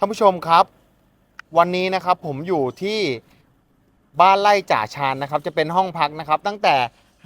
ท่านผู้ชมครับวันนี้นะครับผมอยู่ที่บ้านไร่จ่าชานนะครับจะเป็นห้องพักนะครับตั้งแต่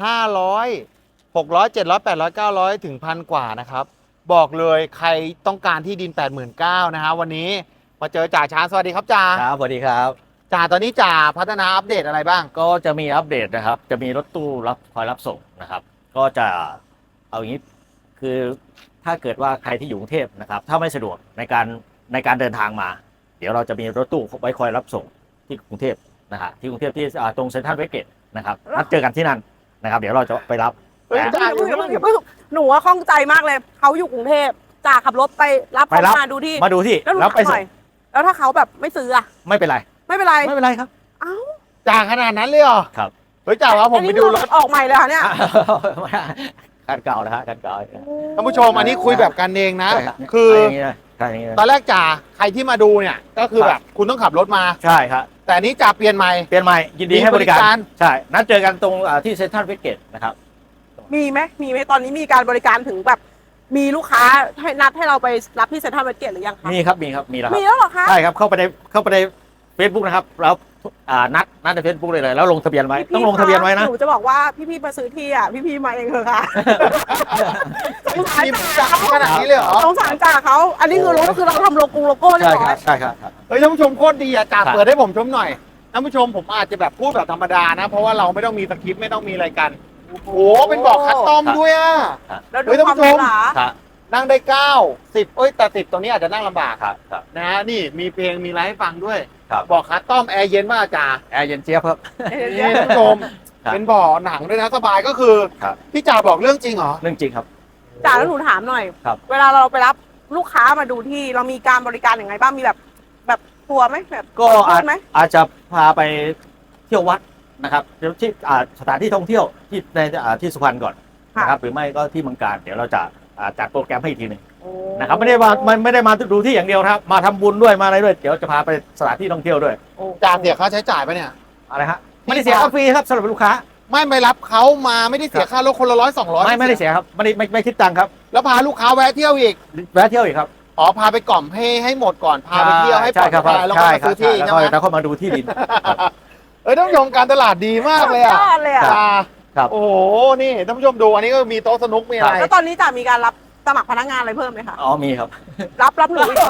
500 600 700 800 900ถึงพันกว่านะครับบอกเลยใครต้องการที่ดิน 89,000นะฮะวันนี้มาเจอจ่าชานสวัสดีครับจ่าครับสวัสดีครับจ่าตอนนี้จ่าพัฒนาอัปเดตอะไรบ้างก็จะมีอัปเดตนะครับจะมีรถตู้คอยรับส่งนะครับก็จะเอาอย่างนี้คือถ้าเกิดว่าใครที่อยู่กรุงเทพนะครับถ้าไม่สะดวกในการเดินทางมาเดี๋ยวเราจะมีรถตู้ไว้คอยรับส่งที่กรุงเทพนะฮะที่กรุงเทพที่ตรงเซ็นทรัลเวสเกตนะครับนัดเจอกันที่นั่นนะครับเดี๋ยวเราจะไปรับจ่าอยู่หนูว่าข้องใจมากเลยเขาอยู่กรุงเทพจ่าขับรถไปรับเขามาดูที่แล้วไปส่งแล้วถ้าเขาแบบไม่ซื้ออะไม่เป็นไรครับอ้าวจ่าขนาดนั้นเลยเหรอครับเฮ้ยจ่าว่าผมไปดูรถออกใหม่เลยค่ะเนี่ยคันเก่านะฮะคันเก่าท่านผู้ชมอันนี้คุยแบบกันเองนะคือตอนแรกจ่าใครที่มาดูเนี่ยก็คือแบบคุณต้องขับรถมาใช่ครับแต่นี้จ่าเปลี่ยนใหม่ยินดีให้บริการใช่นัดเจอกันตรงที่เซ็นทรัลเวสเกตนะครับมีไหมตอนนี้มีการบริการถึงแบบมีลูกค้าให้นัดให้เราไปรับที่เซ็นทรัลเวสเกตหรือยังคะมีแล้วเหรอคะใช่ครับเข้าไปในเฟซบุ๊กนะครับแล้วนัดในเฟซบุ๊กเลยแล้วลงทะเบียนไว้ต้องลงทะเบียนไว้นะหนูจะบอกว่าพี่มาซื้อที่อ่ะพี่มาเองเถอะค่ะสงสารจ่าขนาดนี้เลยเหรอสงสารจ่าเขาอันนี้คือรถก็คือเราทำโลโก้เรียบร้อยใช่ครับเฮ้ยท่านผู้ชมโคตรดีอ่ะจ่าเปิดให้ผมชมหน่อยท่านผู้ชมผมอาจจะแบบพูดแบบธรรมดานะเพราะว่าเราไม่ต้องมีสคริปต์ไม่ต้องมีอะไรกันโอ้โหเป็นบอกคัสตอมด้วยอ่ะเฮ้ยท่านผู้ชมนั่งได้9 10เอ้ยแต่10ตรงนี้อาจจะนั่งลำบากนะฮะนี่มีเพลงมีไลฟ์ให้ฟังด้วยบอกคัสตอมแอร์เย็นมากจ่าแอร์เย็นเจี๊ยบครับนี่ท่านผู้ชมเป็นบ่อหนังด้วยนะสบายก็คือพี่จ่าบอกเรื่องจริงเหรอเรื่องจริงครับจ่าแล้วหนูถามหน่อยเวลาเราไปรับลูกค้ามาดูที่เรามีการบริการอย่างไรบ้างมีแบบทัวร์ไหมแบบก็อาจจะพาไปเที่ยววัดนะครับที่สถานที่ท่องเที่ยวที่ในที่สุพรรณก่อนนะครับหรือไม่ก็ที่เมืองการเดี๋ยวเราจะจัดโปรแกรมให้อีกทีหนึ่งนะครับไม่ได้มาดูที่อย่างเดียวครับมาทำบุญด้วยมาอะไรด้วยเดี๋ยวจะพาไปสถานที่ท่องเที่ยวด้วยจ่าเสียค่าใช้จ่ายปะเนี่ยอะไรฮะไม่ได้เสียค่าฟรีครับสำหรับลูกค้าไม่รับเขามาไม่ได้เสียค่ารถคนละ100 200 ไม่ได้เสียครับไม่คิดตังค์ครับแล้วพาลูกค้าแวะเที่ยวอีกครับอ๋อพาไปกล่อมให้หมดก่อนพาไปเที่ยวให้ปลอดภัยแล้วก็มาซื้อที่ใช่ไหมแล้วก็มาดูที่ดินท่านผู้ชมการตลาดดีมากเลยอ่ะโอ้โหนี่ท่านผู้ชมดูอันนี้ก็มีโต๊ะสนุกมีอะไรแล้วตอนนี้จะมีการรับสมัครพนักงานอะไรเพิ่มไหมคะอ๋อมีครับรับหนูอีกคน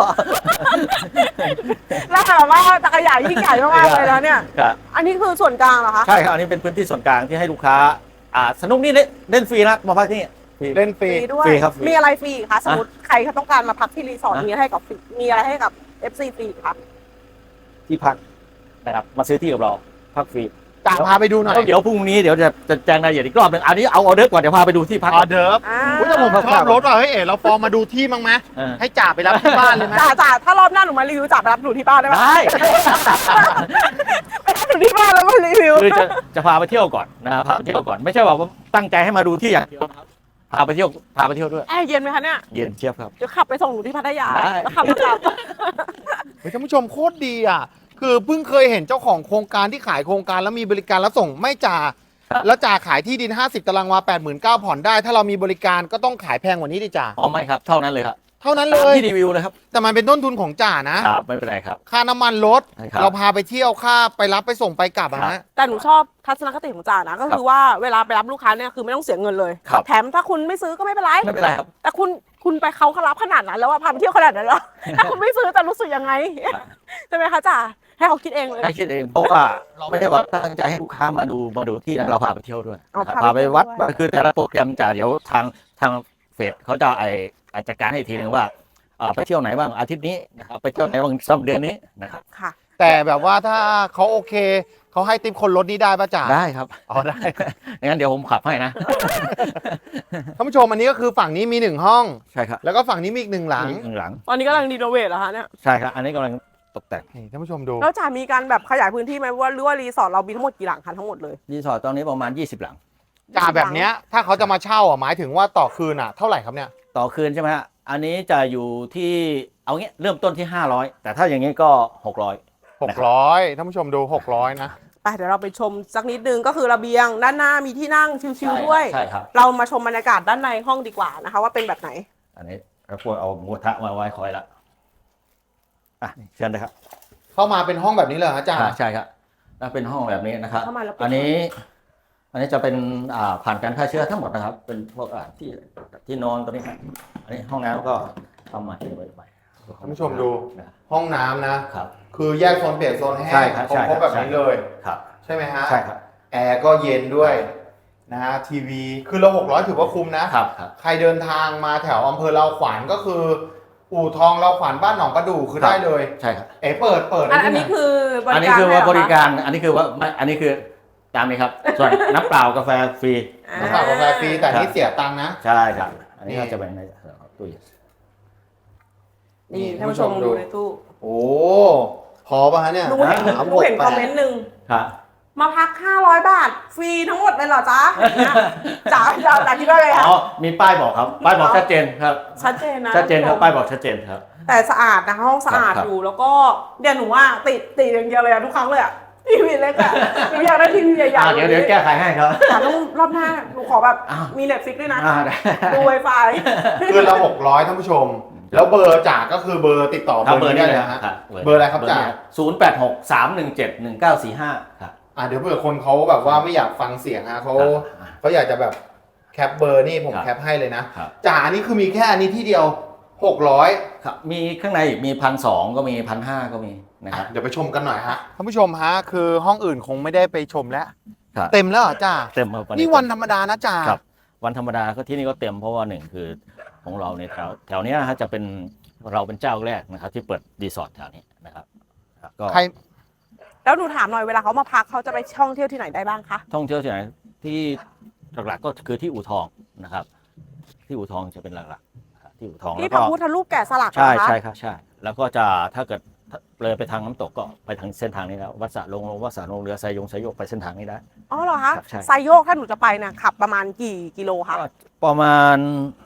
แล้วแบบว่าจักรยานยิ่งใหญ่มากเลยแล้วเนี่ยอันนี้คือส่วนกลางเหรอคะใช่ครับอันนี้เป็นพื้นที่ส่วนกลางที่ให้ลูกค้าสนุกนี่เล่นฟรีนะมาพักที่นี่เล่นฟรีด้วยมีอะไรฟรีคะสมมติใครเขาต้องการมาพักที่รีสอร์ทมีอะไรให้กับ FC ฟรีครับที่พักนะครับมาซื้อที่กับเราพักฟรีจ่าพาไปดูหน่อยเดี๋ยวพรุ่งนี้เดี๋ยวจะแจ้งรายละเอียดอีกรอบนึงอันนี้เอาออเดิร์ฟก่อนเดี๋ยวพาไปดูที่พักออเดิร์ฟแต่ผมชอบรถว่ะเฮ้ยเราฟอร์มมาดูที่มั้งไหมให้จ่าไปรับที่บ้านเลยไหมจ่าถ้ารอบหน้าหนูมารีวิวจ่าไปรับหนูที่บ้านได้ไหมได้ไปรับหนูที่บ้านแล้วมารีวิวคือจะพาไปเที่ยวก่อนนะพาไปเที่ยวก่อนไม่ใช่ว่าตั้งใจให้มาดูที่อย่างเดียวครับพาไปเที่ยวด้วยแอร์เย็นไหมคะเนี่ยเย็นเชียบครับเดี๋ยวขับไปส่งหนูที่พัทยาแล้วขับกลับท่านผู้ชมโคตรดีอ่ะคือเพิ่งเคยเห็นเจ้าของโครงการที่ขายโครงการแล้วมีบริการรับส่งไม่จ่าแล้วจ่าขายที่ดิน50 ตารางวา 89,000ผ่อนได้ถ้าเรามีบริการก็ต้องขายแพงกว่านี้ดิจ่าอ๋อไม่ครับเท่านั้นเลยครับเท่านั้นเลยที่รีวิวเลยครับแต่มันเป็นต้นทุนของจ่านะครับไม่เป็นไรครับค่าน้ำมันรถเราพาไปเที่ยวค่าไปรับไปส่งไปกลับนะแต่หนูชอบทัศนคติของจ่านะก็คือว่าเวลาไปรับลูกค้าเนี่ยคือไม่ต้องเสียเงินเลยแถมถ้าคุณไม่ซื้อก็ไม่เป็นไรครับแต่คุณไปเขารับขนาดนั้นแล้วว่าพาไปเที่ยวขนาดนั้นแล้วถ้าคุณไม่ซื้อจะรู้สึกยังไงใช่ไหมคะจ่าให้เขาคิดเองเลยให้คิดเองเพราะว่าเราไม่ได้ว่าตั้งใจให้ลูกค้ามาดูที่เราพาไปเที่ยวด้วยพาไปวัดคือแต่ละโปรแกรมจ่าเดี๋ยวทางเฟซเขาจะจัดการให้ทีนึงว่าไปเที่ยวไหนบ้างอาทิตย์นี้นะครับไปเที่ยวไหนบ้างสัปดาห์นี้นะครับค่ะแต่แบบว่าถ้าเขาโอเคเขาให้ติปคนรถนี้ได้ป่ะจ่าได้ครับอ๋อได้งั้นเดี๋ยวผมขับให้นะท่านผู้ชมอันนี้ก็คือฝั่งนี้มี1ห้องใช่ครับแล้วก็ฝั่งนี้มีอีก1หลังตอนนี้กำลังรีโนเวทเหรอคะเนี่ยใช่ครับอันนี้กำลังตกแต่งท่านผู้ชมดูแล้วจ่ามีการแบบขยายพื้นที่ไหมว่าหรือว่ารีสอร์ทเรามีทั้งหมดกี่หลังคะทั้งหมดเลยรีสอร์ทตอนนี้ประมาณ20หลังจ่าแบบเนี้ยถ้าเขาจะมาเช่าหมายถึงว่าต่อคืนเท่าไหร่ครับเนี่ยต่อคืนใช่ไหมฮะอันนี้จะอยู่ที่เอางี้เริ่มต้นที่500แต่ถ้าอย่างนี้ก็600 ท่านผู้ชมดู600นะไปเดี๋ยวเราไปชมสักนิดนึงก็คือระเบียงด้านหน้ามีที่นั่งชิลๆด้วยใช่ครับเรามาชมบรรยากาศด้านในห้องดีกว่านะคะว่าเป็นแบบไหนอันนี้เราควรเอาหมูกระทะมาไว้คอยละเชิญเลยครับเข้ามาเป็นห้องแบบนี้เลยเหรออาจารย์ใช่ครับแล้วเป็นห้องแบบนี้นะครับเข้ามาแล้วเป็นอันนี้จะเป็นผ่านการฆ่าเชื้อทั้งหมดนะครับ เป็นพวกที่นอนตัวนี้ครับอันนี้ห้องน้ำก็ทำใหม่ไปท่านผู้ชมดูนะครับห้องน้ำนะครับคือแยกโซนเปียกโซนแห้ใช่งครับครบแบบนี้เลยครับใช่ไหมฮะใช่ครับแอร์ก็เย็นด้วยนะฮะทีวีคือเรา600ถือว่าคุ้มนะครับใครเดินทางมาแถวอำเภอเราขวัญก็คือ อู่ทองเราขวัญบ้านหนองประดู่คือได้เลยใช่ครับเปิดอันนี้คือบอันรินี้การคือว่าให้เหบอริคะการอันนี้คือว่าไม่อันนี้คือตามนี้ครับ ส่วนน้ำเปล่ากาแฟฟรีน้ำเปล่ากาแฟฟรีแต่นี่เสียตังค์นะใช่ครับ อันนี้ก็จะเป็นในตู้เย็นนี่ท่านผู้ชมดูในตู้โอ้พอป่ะฮะเนี่ยหนูเห็น 3 หนูเห็น 6 คอมเมนต์หนึ่งครับมาพัก 500 บาท ฟรีทั้งหมดเลยเหรอจ๊ะจ๋าคิดว่าไงคะอ๋อมีป้ายบอกครับ ป้ายบอกชัดเจนครับชัดเจนนะชัดเจนครับ ป้ายบอกชัดเจนครับแต่สะอาดนะคะห้องสะอาดครับอยู่แล้วก็เดี๋ยวหนูว่าติดอย่างเดียวเลยอะทุกครั้งเลยอะทีวีเล็กอะหนูอยากได้ทีวีใหญ่ๆเดี๋ยวแก้ไขให้ครับแต่ต้องรอบหน้าหนูขอแบบอ้าวมีเน็ตฟิกด้วยนะได้ดู Wi-Fi คือเรา600ท่านผู้ชม แล้วเบอร์จ่าก็คือเบอร์ติดต่อครับเบอร์นี้ได้เลยฮะ เบอร์อะไรครับจ่า 0863171945ครับเดี๋ยวเผื่อคนเขาแบบว่าไม่อยากฟังเสียงฮะเขาครับเขาอยากจะแบบแคปเบอร์นี่ผมครับแคปให้เลยนะครับ จ่าอันนี้คือมีแค่อันนี้ที่เดียว600 ครับมีข้างในอีกมี1,200ก็มี1,500ก็มีนะครับเดี๋ยวไปชมกันหน่อยฮะท่านผู้ชมฮะคือห้องอื่นคงไม่ได้ไปชมแล้วครับเต็มแล้วเหรอจ่าเต็มครับนี่วันธรรมดานะจ่าครับวันธรรมดาก็ที่นี่ก็เต็มเพราะว่าหนึ่งคือของเราในแถวเนี้ยนะฮะจะเป็นเราเป็นเจ้าแรกนะครับที่เปิดรีสอร์ทแถวนี้นะครับก็ใครแล้วหนูถามหน่อยเวลาเขามาพักเขาจะไปท่องเที่ยวที่ไหนได้บ้างคะท่องเที่ยวที่ไหนที่หลักๆก็คือที่อู่ทองนะครับ ที่อู่ทองจะเป็นหลักๆที่อู่ทองที่แล้วพก็ระพุทธรูปแกะสลักเหรใช่อคะใช่ครับใช่ แล้วก็จะถ้าเกิดเลยไปทางน้ำตกก็ไปทางเส้นทางนี้แล้ววัดสระลงวัดสระลงเรือไซยงไปเส้นทางนี้ได้อ๋อเหรอคะครับใช่ไซโยกถ้าหนูจะไปเนี่ยขับประมาณกี่กิโลคะก็ประมาณ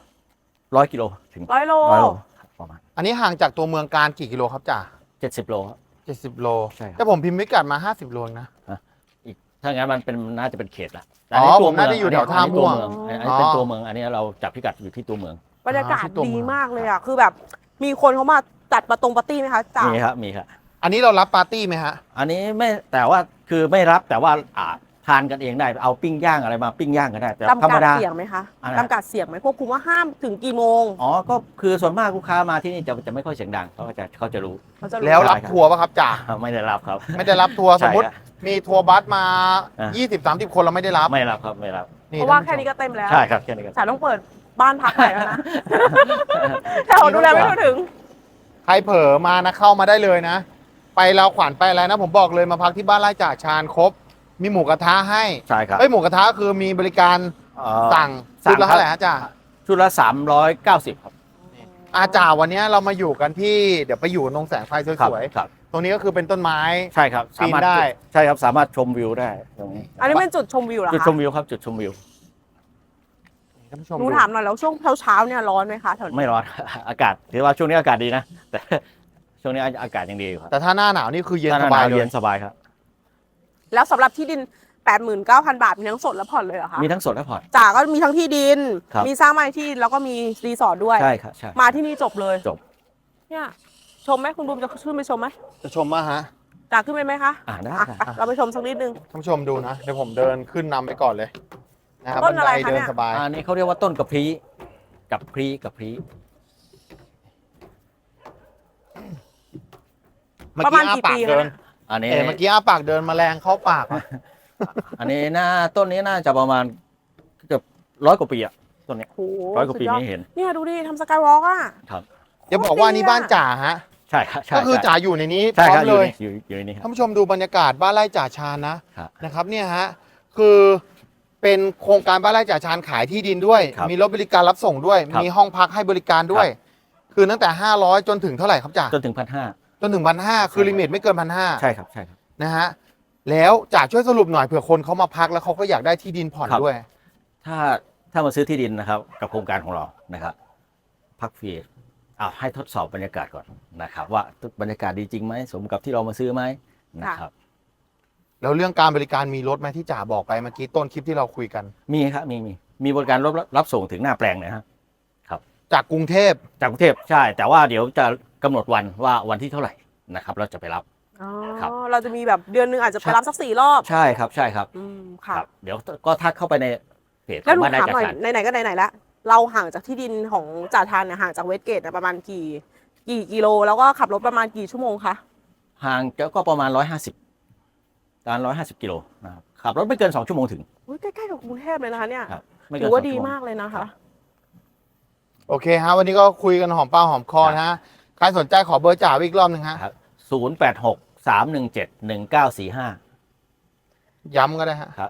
100 กิโลถึง 100 โล 100 โลครับประมาณอันนี้ห่างจากตัวเมืองการกี่กิโลครับจ่า 70 โลครับ 70 โลใช่ครับแต่ผมพิมพ์พิกัดมา50 โลเองนะอีกถ้างั้นมันเป็นน่าจะเป็นเขตละอ๋อตัวผมน่าจะอยู่แถวท่าม่วงอันนี้เป็นตัวเมืองอันนี้เราจับพิกัดอยู่ที่ตัวเมืองบรรยากาศที่ตัวเมืดีองมากเลยอ่ะ คือแบบมีคนเขามาจัดปาร์ตี้ไหมคะจ๋ามีครับมีครับอันนี้เรารับปาร์ตี้ไหมฮะอันนี้ไม่แต่ว่าคือไม่รับแต่ว่าทานกันเองได้เอาปิ้งย่างอะไรมาปิ้งย่างกันได้แต่ธรจำรมกัดดาเสียงไหมคะอะไรจำกัดเสียงไหมควบคุมว่าห้ามถึงกี่โมงอ๋อก็คือส่วนมากลูกค้ามาที่นี่จะไม่ค่อยเสียงดังเขาจะรู้เขาจะรู้แล้วรับทัวร์ป่ะครับจ่าไม่ได้รับครับไม่ได้รับทัวร์สใช่มมติครับมีทัวร์บัสมาอ่ะ 20-30 คนเราไม่ได้รับไม่รับครับไม่รับเพราะว่าแค่นี้ก็เต็มแล้วใช่ครับแค่นี้ก็จ๋าต้องเปิดบ้านพักใหม่แล้วนะ แต่เราดูแลไม่ทั่วถึงใครเผลอมานะเข้ามาได้เลยนะ ไปเราขวัญไปอะไรนะ ผมบอกเลยมาพักที่บ้านไร่จ่าชาญครบ มีหมูกระทะให้ใช่ครับหมูกระทะคือมีบริการ สั่งสั่ชุงดละครับเท่าไหร่ฮะจ่าชุดละ390ครับจ่าวันนี้เรามาอยู่กันที่เดี๋ยวไปอยู่ตรงแสงไฟสวยครับๆตรงนี้ก็คือเป็นต้นไม้ใช่ครับปีนได้ใช่ครับสามารถชมวิวได้ตรงนี้อันนี้เป็นจุดชมวิวเหรอจุดคะชมวิวครับจุดชมวิวท่านผู้ชมหนูดูถามหน่อยแล้วช่วงเช้าๆเนี่ยร้อนไหมคะแถวนี้ไม่ร้อน อากาศถือว่าช่วงนี้อากาศดีนะ แต่ช่วงนี้อากาศยังดีอยู่ครับแต่ถ้าหน้าหนาวนี่คือเย็นถ้สบายหวเลเย็ยนสบายครับแล้วสำหรับที่ดิน 89,000 บาทมีทั้งสดและผ่อนเลยเหรอคะมีทั้งสดและผ่อนจ๋าก็มีทั้งที่ดินครับมีสร้างไม้ที่แล้วก็มีรีสอร์ทด้วยใช่ครับใช่มาที่นี่จบเลยจบเนี่ยชมไหมคุณบูมจะขึ้นไปชมไหมจะชมว่าฮะจ๋าขึ้นไปไหมคะได้อ่ะได้ไปเราไปชมสักนิดนึงท่านผู้ชมดูนะ เดี๋ยวผมเดินขึ้นนำไปก่อนเลยนะครับต้นอะไรบัคะเดิเนี่นยสบายอันนี้เขาเรียกว่าต้นกระพรีกับพรีกับพรีเมื่อประมากี้ณอ้ากี่ปากปีคะเดินเนี่ยอันนี้เมื่อกี้อ้าปากเดินแมลงเข้าปากอะอันนี้ต้นนี้น่าจะประมาณเกือบ100 กว่าปีอะต้นนี้โอ้โห 100 กว่าปีสุดยอดนี้เห็นเนี่ยดูดิทำสกายวอล์กอ่ะครับอย่าบอกว่านี่บ้านจ่าฮะใช่ครับใช่ก็คือใช่จ่าอยู่ในนี้พใช่ร้อครับมเลยอยู่ในนี้ครับท่านผู้ชมดูบรรยากาศบ้านไร่จ่าชาญนะครับ นะครับเนี่ยฮะคือเป็นโครงการบ้านไร่จ่าชาญขายที่ดินด้วยครับมีรถบริการรับส่งด้วยครับมีห้องพักให้บริการด้วย คือตั้งแต่500จนถึงเท่าไหร่ครับจ่าจนถึง1,500 จนถึง1,500คือลิมิตไม่เกิน1,500 ใช่ครับใช่ครับนะฮะแล้วจ่าช่วยสรุปหน่อยเผื่อคนเขามาพักแล้วเขาก็อยากได้ที่ดินผ่อนครับด้วยถ้ามาซื้อที่ดินนะครับ กับโครงการของเรานะครับ พักฟรีให้ทดสอบบรรยากาศก่อนนะครับ ว่าบรรยากาศดีจริงไหมสมกับที่เรามาซื้อไหมนะครับแล้วเรื่องการบริการมีรถไหมที่จ่าบอกไปเมื่อกี้ต้นคลิปที่เราคุยกันมีครับมีบริการรับส่งถึงหน้าแปลงเลยครับจากกรุงเทพจากกรุงเทพใช่ แต่ว่าเดี๋ยวจะกำหนดวันว่าวันที่เท่าไหร่นะครับเราจะไปรับอ๋อครับเราจะมีแบบเดือนหนึงอาจจะไปรับสัก4 รอบใช่ครับใช่ครับค่ะครับ เดี๋ยวก็ทักเข้าไปในเพจขแล้วองหนูบ้านได้ถามจัดหน่อยการไหนๆก็ไหนๆละเราห่างจากที่ดินของจ่าทานเนี่ยห่างจากเวสเกตเนี่ยประมาณกี่กิโลแล้วก็ขับรถประมาณกี่ชั่วโมงคะห่างก็ประมาณ150กิโลนะครับขับรถไม่เกิน2 ชั่วโมงถึงอุ๊ยใกล้ๆกับกรุงเทพเลยนะคะเนี่ยครับไม่เกิถืนอว่า 2 ดีชั่วโมงมากเลยนะคะโอเคฮะวันนี้ก็คุยกันหอมปากหอมคอนะฮะใครสนใจขอเบอร์จ่าอีกรอบหนึ่งฮะครับ086-317-1945 ย้ำก็ได้ฮะครับ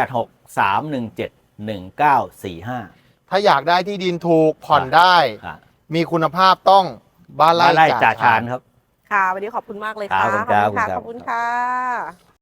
086-317-1945 ถ้าอยากได้ที่ดินถูกผ่อนได้ครับมีคุณภาพต้องบ้านบ้านไร่ไร่จ่าชาญนครับค่ะ วันนี้ขอบคุณมากเลยครัค่ะบขอบคุณครับขอบคุณค่ะ